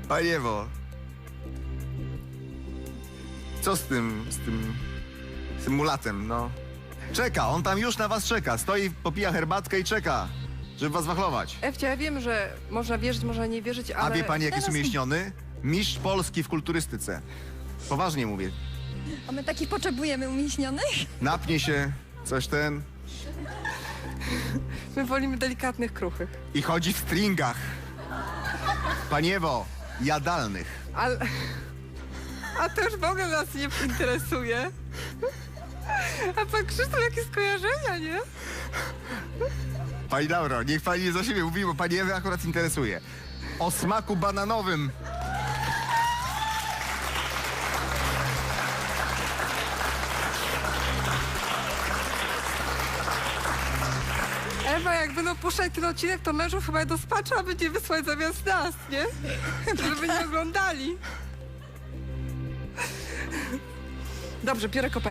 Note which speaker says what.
Speaker 1: Pani Ewo. Co z tym mulatem, no? Czeka, on tam już na was czeka. Stoi, popija herbatkę i czeka, żeby was wachlować.
Speaker 2: Ewcia, ja wiem, że można wierzyć, można nie wierzyć, ale...
Speaker 1: A wie pani, jak jest
Speaker 3: Teraz-
Speaker 1: umieśniony? Mistrz Polski w kulturystyce. Poważnie mówię.
Speaker 3: A my takich potrzebujemy umieśnionych?
Speaker 1: Napnie się, coś ten
Speaker 2: My wolimy delikatnych, kruchych.
Speaker 1: i chodzi w stringach. Pani Ewo, jadalnych.
Speaker 2: Ale... A to już w ogóle nas nie interesuje. A pan Krzysztof, jakie skojarzenia, nie?
Speaker 1: Pani Lauro, niech pani nie za siebie mówi, bo pani Ewy akurat interesuje. O smaku bananowym.
Speaker 2: Ewa, jak będą puszczać ten odcinek, to mężów chyba do spacza będzie wysłać zamiast nas, nie? Żeby nie oglądali. Dobrze, biorę kopę.